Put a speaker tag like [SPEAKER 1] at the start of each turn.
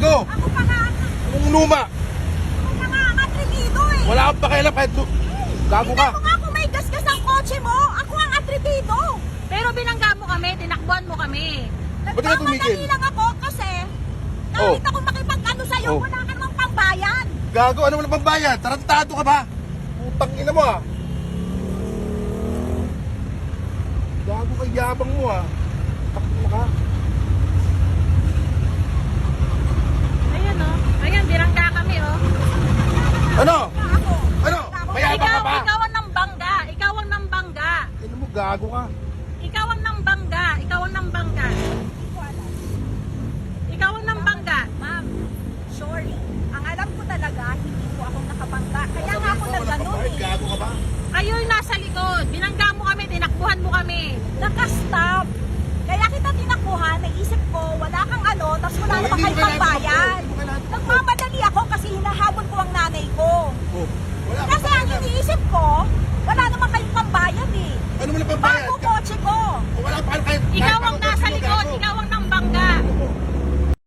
[SPEAKER 1] gago.
[SPEAKER 2] Ako pa nga,
[SPEAKER 1] Anong luma?
[SPEAKER 2] ako pa nga ang atribido eh.
[SPEAKER 1] Wala akong pakialam kahit gago ka.
[SPEAKER 2] Tingnan mo nga kung may gasgas ang kotse mo, ako ang atribido.
[SPEAKER 3] Pero binangga mo kami, tinakbuhan mo kami.
[SPEAKER 1] Ba't ka tumigil?
[SPEAKER 2] Nagmamadali lang ako kasi kahit ako makipag-ano sa'yo,
[SPEAKER 1] Oh.
[SPEAKER 2] wala ka namang pambayan.
[SPEAKER 1] Gago, ano mo na pambayad? Tarantado ka ba? Putang ina mo ah. Gago ka, yabang mo ah. Takbo ka.
[SPEAKER 3] Ayan o. Ayan, binangga kami o.
[SPEAKER 1] Ano?
[SPEAKER 2] Ako.
[SPEAKER 1] Ano? Mayabang ka ba?
[SPEAKER 3] Ikaw ang nambangga. Ikaw ang nambangga.
[SPEAKER 1] Ano mo, gago ka.
[SPEAKER 3] Ikaw ang nambangga. Ikaw ang nambangga.
[SPEAKER 2] Hindi ko alam.
[SPEAKER 3] Ikaw ang nambangga.
[SPEAKER 2] Ma'am, sorry. Ang alam ko talaga, hindi ko ako nakabangga. Kaya nga ako nagganon eh.
[SPEAKER 1] Gago ka ba?
[SPEAKER 3] Kayo yung nasa likod. Binangga mo kami, tinakbuhan mo kami.
[SPEAKER 2] Nakastop. Kaya kita tinakbuhan, naisip ko, wala kang ano, tapos wala
[SPEAKER 1] Oh,
[SPEAKER 2] namang
[SPEAKER 1] hindi
[SPEAKER 2] kayo
[SPEAKER 1] mo kailangan
[SPEAKER 2] pambayan.
[SPEAKER 1] tumakbo, hindi mo kailangan tumakbo.
[SPEAKER 2] Nagmamadali ako kasi hinahabol ko ang nanay ko.
[SPEAKER 1] Oh, wala akong
[SPEAKER 2] Kasi ang
[SPEAKER 1] pakialam.
[SPEAKER 2] iniisip ko, wala namang kayong pambayan eh.
[SPEAKER 1] Ano mo na pambayad?
[SPEAKER 2] Bago kotse ko.
[SPEAKER 1] Wala pa kahit...
[SPEAKER 3] Ikaw ang